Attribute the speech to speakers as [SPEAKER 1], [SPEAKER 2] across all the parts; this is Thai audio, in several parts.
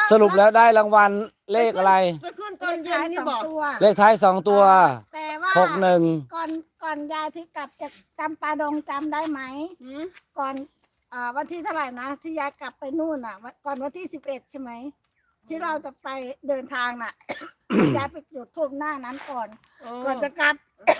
[SPEAKER 1] สรุปแล้วได้รางวัลเลขอะไร
[SPEAKER 2] ไปขึ้นตอนเย็นนี่บอก
[SPEAKER 1] เลขท้าย2 ตัว
[SPEAKER 3] แต่ว่า
[SPEAKER 1] 61
[SPEAKER 3] ก่อนยายที่กลับจากจำปาดงจำได้ไหมก่อนวันที่เท่าไหร่นะที่ยายกลับไปนู่นก่อนวันที่11ใช่ไหมที่เราจะไปเดินทางน่ะ ยายไปจุดธูปหน้านั้นก่อนจะกลับ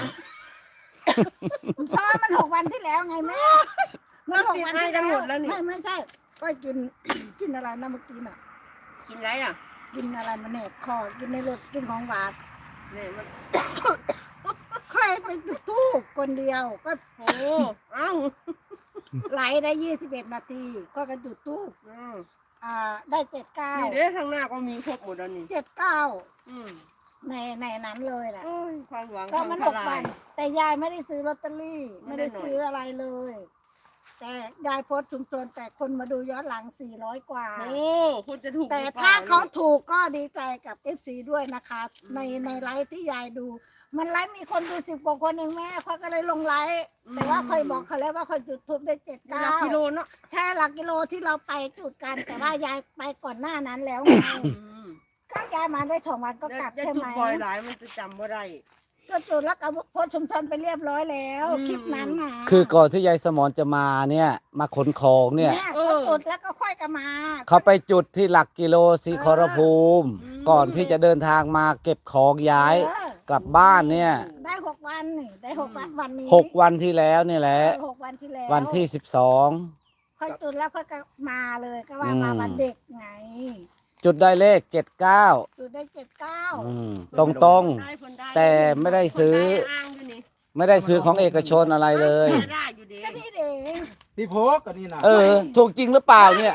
[SPEAKER 3] เพราะมัน6 วันที่แล้วไงแม่มัน6 วันที่แล้วไม่ใช่ก็กินอะไรนะเมื่อกี้น่ะ
[SPEAKER 2] กินไรอ่ะ
[SPEAKER 3] กินอะไรมาเนี่ยคอกินในรถกินของหวาน
[SPEAKER 2] เนี่ยมัน
[SPEAKER 3] ค่อยไปจุดธูปคนเดียวก็
[SPEAKER 2] โอ้เอ้า
[SPEAKER 3] ไหลได้21 นาทีก็กระจุดธูปได้
[SPEAKER 2] นี่
[SPEAKER 3] 79
[SPEAKER 2] เด้ข้างหน้าก็มีครบหมดแล้วนี่
[SPEAKER 3] 79ในนั้นเลยแหละ
[SPEAKER 2] โอ้ยความหวัง
[SPEAKER 3] ก็มัน
[SPEAKER 2] ทาง
[SPEAKER 3] 6
[SPEAKER 2] ท
[SPEAKER 3] วั
[SPEAKER 2] ลาน ย
[SPEAKER 3] แต่ยายไม่ได้ซื้อลอตเตอรี่
[SPEAKER 2] ไม่
[SPEAKER 3] ไม่
[SPEAKER 2] ได้
[SPEAKER 3] ได้ซื้ออะไรเลย แต่ยายโพสต์ชุมชนแต่คนมาดูย้อนหลัง400 กว่า
[SPEAKER 2] โอ้คุณจะถูก
[SPEAKER 3] แต่
[SPEAKER 2] หรือปล่
[SPEAKER 3] ถ้าเขาถูกก็ดีใจกับ FC ด้วยนะคะ ในไลฟ์ที่ยายดู มันไลฟ์มีคนดู10 กว่าคนเองแม่เขาก็เลยลงไลฟ์แต่ว่าเคยบอกเขาแล้วว่าเคยจุดทูบได้
[SPEAKER 2] นี่หลักกิโล
[SPEAKER 3] 79
[SPEAKER 2] เนาะ
[SPEAKER 3] ใช่หลักกิโลที่เราไปจุดกัน แต่ว่ายายไปก่อนหน้านั้นแล้วไงก็ยายมาได้2 วันก็กลับ
[SPEAKER 2] จะ
[SPEAKER 3] ใช่
[SPEAKER 2] จุ
[SPEAKER 3] ไห
[SPEAKER 2] ด
[SPEAKER 3] ม
[SPEAKER 2] บ่อยหลายมันจะจำว่าไร
[SPEAKER 3] ก็จุดแล้วก็โพสต์ชุมชนไปเรียบร้อยแล้ว คลิปนั้นนะ
[SPEAKER 1] คือก่อนที่ยายสมรจะมาเนี่ยมาขนของเนี่ย
[SPEAKER 3] ก็จุดแล้วก็ค่อยกันมา
[SPEAKER 1] เขาไปจุดที่หลักกิโลศรีขอรภูมิ ก่อนที่จะเดินทางมาเก็บของย้ายกลับบ้านเนี่ย
[SPEAKER 3] ได้6 วันนี่ได้6 วันนี้
[SPEAKER 1] 6 วันที่แล้วนี่แหละ
[SPEAKER 3] 6 วันที่แล้ว
[SPEAKER 1] วันที่12
[SPEAKER 3] ค่อยจุดแล้วค่อยก็มาเลยก็ว่ามาวันเด็กไง
[SPEAKER 1] จุดได้เลข79
[SPEAKER 3] จุดได้79
[SPEAKER 1] ตรงตรง
[SPEAKER 2] ได้ผลได้
[SPEAKER 1] แต่ไม่ได้ซื้อ
[SPEAKER 2] คนได้อ้างอยู่นี่
[SPEAKER 1] ๆไม่ได้ซื้อของเอกชนอะไรเลย
[SPEAKER 2] ได้อยู่ดี
[SPEAKER 3] ก็นี่เอง
[SPEAKER 4] ที่โพกก็นี่นะ
[SPEAKER 1] ถูกจริงหรือเปล่าเนี่ย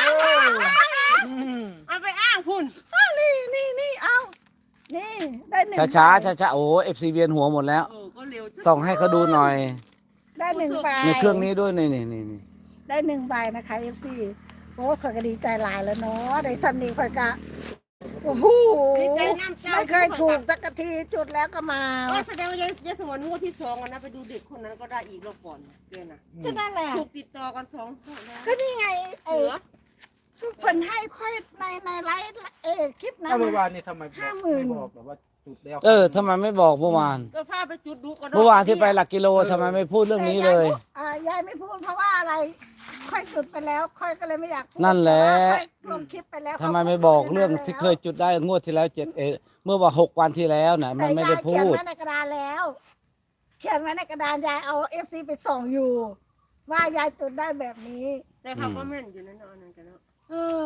[SPEAKER 2] เอาไปอ้างพุ่น
[SPEAKER 3] นี่เอานี่ได้1
[SPEAKER 1] ช้าช้าช้าช้าๆโอ้เอฟซีเวียนหัวหมดแล้ว
[SPEAKER 2] ก็เร็ว
[SPEAKER 1] ส่องให้เขาดูหน่อย
[SPEAKER 3] ได้1 ใบ
[SPEAKER 1] ในเครื่องนี้ด้วยนี่
[SPEAKER 3] ได้1 ใบนะคะ FC โอ้ข่อยก็ดีใจหลายแล้วเนาะได้สำนีข่อยก็โอ้โห
[SPEAKER 2] ดีใจน้ำเจ้า
[SPEAKER 3] ไม่เคยถูกสักทีจุดแล้วก็มา
[SPEAKER 2] ก็แสดงว่ายายสมรงวดที่2นะไปดูเด็กคนนั้นก็ได้อีกรอบก่อนเดือนน่ะ
[SPEAKER 3] ก็นั่นแหละ
[SPEAKER 2] ถูกติดต่อกัน2 งวดแล้ว
[SPEAKER 3] ก็นี่ไง
[SPEAKER 2] เหลือ
[SPEAKER 3] ทุกคนให้ค่อยในไลฟ์คลิปนั้น
[SPEAKER 4] ถ้าเมื่อ
[SPEAKER 3] นะ
[SPEAKER 4] วานนี่ทำไมบอก
[SPEAKER 3] 50,000
[SPEAKER 4] ไม่บอกแบบว่าจุดแล้ว
[SPEAKER 1] ทำไมไม่บอกเมื่อวาน
[SPEAKER 2] ก็พาไปจุดดูก็ได้
[SPEAKER 1] เมื่อวานที่ไปหลักกิโลทำไมไม่พูดเรื่องนี้เลย
[SPEAKER 3] ยายไม่พูดเพราะว่าอะไรค่อยจุดไปแล้วค่อยก็เลยไม่อยากพูด
[SPEAKER 1] นั่นแหละ
[SPEAKER 3] ค่อยลงคลิปไปแล้ว
[SPEAKER 1] ทำไมไม่บอกเรื่องที่เคยจุดได้งวดที่แล้วเมื่อว่า6 วันที่แล้วน่ะมันไม่ได้พู
[SPEAKER 3] แต่ยาย
[SPEAKER 1] ด
[SPEAKER 3] เขียนไว้ในกระดานแล้ว เขียนไว้ในกระดานยายเอา FC ไปส่องอยู่ ว่ายายจุดได้แบบนี้
[SPEAKER 2] แต่เขาก็แม่นอยู่นั่นเนาะนั่นกันเนาะ
[SPEAKER 3] เออ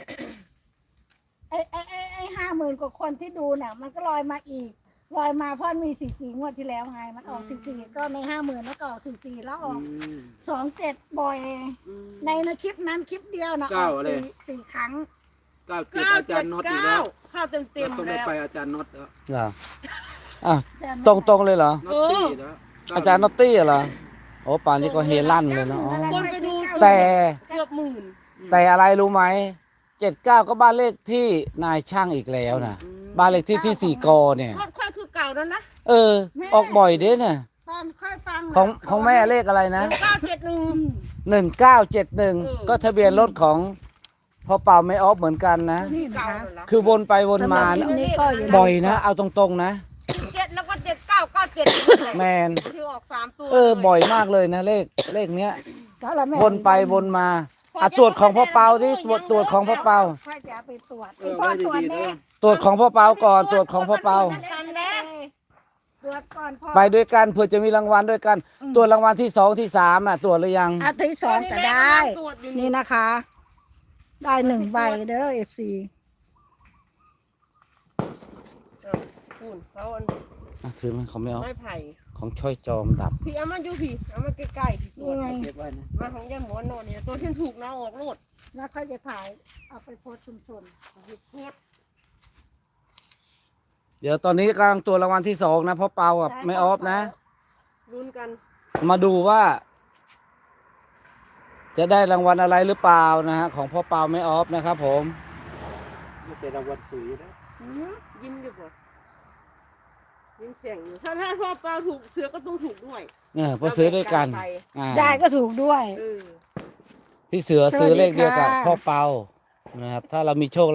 [SPEAKER 3] ไอ้50,000 กว่าคนที่ดูน่ะ มันก็ลอยมาอีกลอยมาเพราะมี44 งวดที่แล้วไง มันออก44ก็ใน50,000แล้วก็ออก44แล้วออก27บ่อยในคลิปนั้นคลิปเดียวนะออกสี่ครั้ง
[SPEAKER 4] 97อาจารย์น็อตอีกแล้ว
[SPEAKER 2] ข้าวเต็ม
[SPEAKER 4] ต้องได้
[SPEAKER 2] แล้ว
[SPEAKER 4] ไปอาจารย์น็อตแล้ว
[SPEAKER 1] เหรออ่ะตรงๆเลยเหรอ
[SPEAKER 4] น็อตตี้แล้ว
[SPEAKER 1] อาจารย์นอตตี้เหรอโอ้ป่านนี้ก็เฮลั่นเลยเนาะอ๋อ
[SPEAKER 2] คนไปดู
[SPEAKER 1] แต่
[SPEAKER 2] เกือบหมื่น
[SPEAKER 1] แต่อะไรรู้ไหม79ก็บ้านเลขที่นายช่างอีกแล้วนะบ้านเลขที่4 กเนี่ย
[SPEAKER 2] รถค่อยคือเก่านั่นนะ
[SPEAKER 1] ออกบ่อยเด้เนี่ย
[SPEAKER 3] ตอนค่อยฟัง
[SPEAKER 1] ของแม่เลขอะไรนะ
[SPEAKER 2] 971
[SPEAKER 1] 1971 ก็ทะเบียนรถของพ่อเป่าไม่ออฟเหมือนกันนะ
[SPEAKER 3] นี่นะ
[SPEAKER 2] เก่า
[SPEAKER 3] คะ
[SPEAKER 2] นั่นละ
[SPEAKER 1] คือวนไปวนมา
[SPEAKER 3] สำหรับคลิปนี้ก็อย่าลืม
[SPEAKER 1] บ่อยนะ เอาตรงๆนะ
[SPEAKER 2] 7แล้วก็7997
[SPEAKER 1] แมน
[SPEAKER 2] ที่ออก3ตัว
[SPEAKER 1] บ่อยมากเลยนะเลขเนี้ย
[SPEAKER 3] ก็ละแม่
[SPEAKER 1] วนไปวนมาตรวจของพ่อเปาที่ตรวจของพ่อเปา
[SPEAKER 3] ค่อยจะไปตรวจ
[SPEAKER 4] ไว้
[SPEAKER 3] ตรวจ
[SPEAKER 4] ดีๆ
[SPEAKER 3] เด็
[SPEAKER 4] นะ
[SPEAKER 3] ก
[SPEAKER 1] ตรวจของพ่อเปาก่อนตรวจของพ่อเปา
[SPEAKER 2] กันแล้ว
[SPEAKER 3] ตรวจก่อนพ่อ
[SPEAKER 1] ไปด้วยกันเพื่อจะมีรางวัลด้วยกันตรวจรางวัลที่2ที่3ตรวจหรือยัง
[SPEAKER 3] อาทิตย์2ก็ได้ นี่นะคะ ได้1 ใบเด้อ FC
[SPEAKER 2] คุณเขา
[SPEAKER 1] ถือมันเขาไม่เอา
[SPEAKER 2] ไม้ไผ่
[SPEAKER 1] ของช่อยจอมดับ
[SPEAKER 2] พี่เอามาอยู่พี่เอามาใกล้ๆพี่ตัว
[SPEAKER 3] นี่ไง
[SPEAKER 4] เก็บไว้นะ
[SPEAKER 2] มาของยายหมอนโน่นเนี่ยตัวที่ถูกนะออกโลด
[SPEAKER 3] แล้วค่อยจะถ่ายเอาไปโพสต์ชุมชน
[SPEAKER 2] โคตร
[SPEAKER 1] เดี๋ยวตอนนี้กำลังตรวจรางวัลที่2นะพ่อเปากับไม่ออฟนะ
[SPEAKER 2] ลุ้นกัน
[SPEAKER 1] มาดูว่า จะได้รางวัลอะไรหรือเปล่านะฮะของพ่อเปาไม่ออฟนะครับผม
[SPEAKER 4] ไม่เป็นรางวัลสวยนะ
[SPEAKER 2] ยิ้มอยู่บ่ยิ้มเสียงอยู่ถ้าพ่อเปาถูกเสือก็ต้องถูกด้วย
[SPEAKER 1] เพอซื้อด้วยกัน
[SPEAKER 3] ยายก็ถูกด้วย
[SPEAKER 2] เออ
[SPEAKER 1] พี่เสือซื้อเลขเดียวกับ
[SPEAKER 3] สวัสดีค่ะ
[SPEAKER 1] พ่อเปานะครับถ้าเรามีโชค